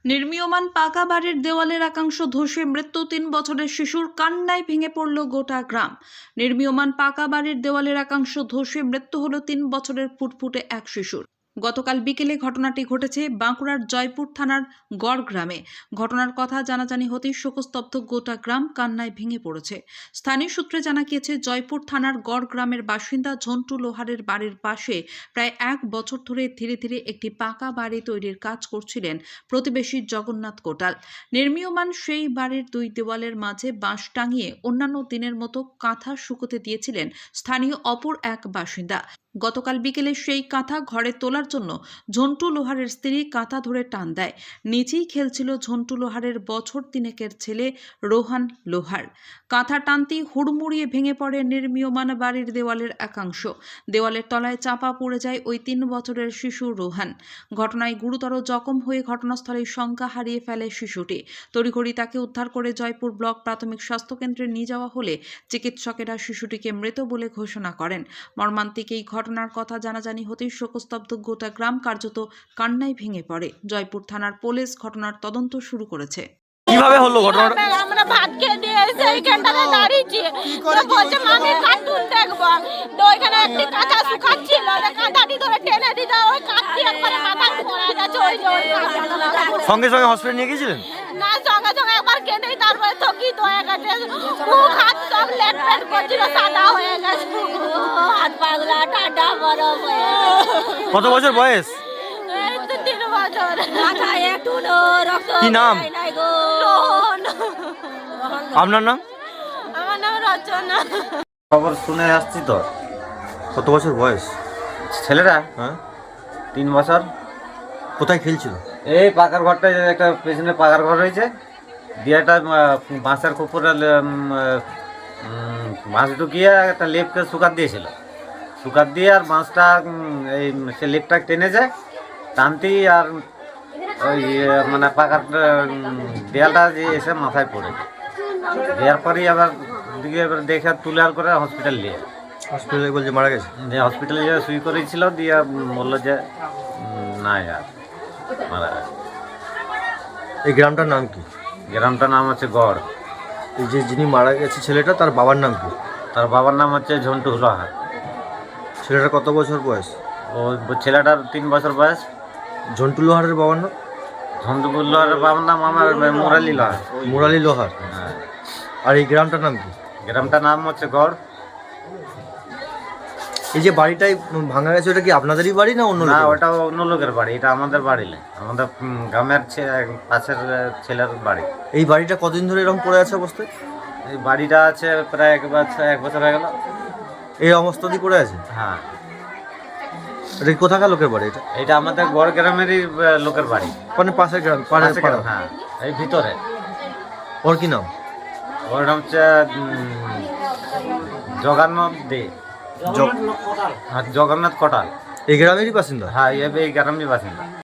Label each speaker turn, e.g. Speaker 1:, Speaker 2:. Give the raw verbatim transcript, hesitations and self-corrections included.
Speaker 1: নির্মীয়মান পাকা বাড়ির দেওয়ালের একাংশ ধসে মৃত্যু তিন বছরের শিশুর, কান্নায় ভেঙে পড়ল গোটা গ্রাম। নির্মীয়মান পাকা বাড়ির দেওয়ালের একাংশ ধসে মৃত্যু হলো তিন বছরের ফুটফুটে এক শিশুর। গতকাল বিকেলে ঘটনাটি ঘটেছে বাঁকুড়ার জয়পুর থানার গড় গ্রামে। ঘটনার কথা জানাজানি হতেই শোকস্তব্ধ গোটা গ্রাম কান্নায় ভেঙে পড়েছে। স্থানীয় সূত্রে জানা গিয়েছে, জয়পুর থানার গড় গ্রামের বাসিন্দা ঝন্টু লোহারের বাড়ির পাশে প্রায় এক বছর ধরে ধীরে ধীরে একটি পাকা বাড়ি তৈরির কাজ করছিলেন প্রতিবেশী জগন্নাথ কোটাল। নির্মীয়মান সেই বাড়ির দুই দেওয়ালের মাঝে বাঁশ টাঙিয়ে অন্যান্য দিনের মতো কাঁথা শুকোতে দিয়েছিলেন স্থানীয় অপর এক বাসিন্দা। গতকাল বিকেলে সেই কাঁথা ঘরে তোলার জন্য ঝন্টু লোহারের স্ত্রী কাঁথা ধরে টান দেয়। নিচেই খেলছিল ঝন্টু লোহারের বছর তিনেকের ছেলে রোহান লোহার। কাঁথা টানতেই হুড়মুড়িয়ে ভেঙে পড়ে নির্মীয়মান বাড়ির দেওয়ালের একাংশ। দেওয়ালের তলায় চাপা পড়ে যায় ওই তিন বছরের শিশু রোহান। ঘটনায় গুরুতর জখম হয়ে ঘটনাস্থলেই সংজ্ঞা হারিয়ে ফেলে শিশুটি। তড়িঘড়ি তাকে উদ্ধার করে জয়পুর ব্লক প্রাথমিক স্বাস্থ্যকেন্দ্রে নিয়ে যাওয়া হলে চিকিৎসকেরা শিশুটিকে মৃত বলে ঘোষণা করেন। মর্মান্তিক এই ঘটনার কথা জানাজানি হতেই শোকস্তব্ধ গোটা গ্রাম কার্যত কান্নায় ভেঙে পড়ে। জয়পুর থানার পুলিশ ঘটনার তদন্ত শুরু করেছে।
Speaker 2: কিভাবে হলো ঘটনাটা?
Speaker 3: আমরা ভাত খেয়ে দিয়ে এসে এইখানটাতে দাঁড়িয়েছি, তো বলছে মামি কার্টুন দেখবো, তো ওইখানে একটি কাঁচা শুকাচ্ছিল, কাঁচাটি ধরে টেনে দিতে ওই কাঁচটি একবারে মাথায় পড়ে গেছে। ওই যে ওই কাঁচাটা
Speaker 2: সঙ্গে সঙ্গে হসপিটাল নিয়ে গিয়েছিলেন?
Speaker 3: না, সঙ্গে সঙ্গে একবার কেঁদেই তারপরে তো কি হয়ে গেছে, মুখ হাত সব লেট পেট করছিল, সাদা হয়ে গেছে, হাত পাগলা ঠান্ডা বরফ হয়ে গেছে।
Speaker 2: কত বছর বয়স?
Speaker 3: এই তো তিন বছর। মাথায় একটু রক্ত
Speaker 2: কি নাম?
Speaker 3: রোহন।
Speaker 2: আপনার নাম?
Speaker 3: আমার নাম রচনা।
Speaker 4: খবর শুনে আসছি তো।
Speaker 2: কত বছর বয়স
Speaker 4: ছেলেরা
Speaker 2: হ্যাঁ?
Speaker 4: তিন বছর
Speaker 2: কোথায় খেলছিল?
Speaker 4: এই পাকার ঘরটা, একটা পেছনে পাকার ঘর রয়েছে, দিয়ে একটা আহ, বাঁশের কুপুরে বাঁশ ঢুকিয়ে একটা লেপকে শুকাত দিয়েছিল। শুকাত দিয়ে আর বাঁশটা উম, এই সে লেপটা টেনেছে, টানতেই আর ওই আহ, মানে পাকার উম, দেয়ালটা যে এসে মাথায় পড়েছে। দেওয়ার পরেই আবার দিকে এবার দেখে তুলে করে হসপিটাল নিয়ে
Speaker 2: হসপিটালে বলছে মারা গেছে।
Speaker 4: যে হসপিটালে যে সুই করেছিল, দিয়ে বললো যে উম, না আর মারা গেছে।
Speaker 2: এই গ্রামটার নাম কি?
Speaker 4: গ্রামটার নাম হচ্ছে গড়।
Speaker 2: এই যে যিনি মারা গেছে ছেলেটা, তার বাবার নাম কি?
Speaker 4: তার বাবার নাম হচ্ছে ঝন্টু লোহার।
Speaker 2: ছেলেটার কত বছর বয়স?
Speaker 4: ও ছেলেটার তিন বছর বয়স।
Speaker 2: ঝন্টু লোহারের বাবার নাম?
Speaker 4: ঝন্টু লোহারের বাবার নাম আমার মুরালি লোহার।
Speaker 2: মুরালি লোহার।
Speaker 4: হ্যাঁ।
Speaker 2: আর এই গ্রামটার নাম কি?
Speaker 4: গ্রামটার নাম হচ্ছে গড়।
Speaker 2: এই যে বাড়িটাই ভাঙা গেছে, ওটা কি আপনাদেরই বাড়ি না অন্য
Speaker 4: না,
Speaker 2: লোকের?
Speaker 4: ওটা অন্য লোকের বাড়ি, এটা আমাদের বাড়ি না, আমাদের উম, গ্রামের ছে- পাশের আহ, ছেলের বাড়ি।
Speaker 2: এই বাড়িটা কতদিন ধরে এরকম পড়ে আছে অবস্থায়?
Speaker 4: এই বাড়িটা আছে প্রায় এক বছর এক বছর হয়ে গেল।
Speaker 2: এই অবস্থাতেই পড়ে আছে?
Speaker 4: হ্যাঁ,
Speaker 2: এটা কি কোথাকার লোকের বাড়ি এটা?
Speaker 4: এটা আমাদের গড় গ্রামেরই আহ, লোকের বাড়ি।
Speaker 2: মানে পাশের গ্রাম, পাড়ার
Speaker 4: পাশে
Speaker 2: পাড়া।
Speaker 4: গ্রাম, হ্যাঁ, এই ভিতরে।
Speaker 2: ওর কি নাম?
Speaker 4: ওর নাম হচ্ছে উম, জগন্নাথ দে।
Speaker 2: জগ-
Speaker 4: আর জগন্নাথ কোটাল।
Speaker 2: এই গ্রামেরই বাসিন্দা?
Speaker 4: হ্যাঁ, এই এই গ্রামের বাসিন্দা।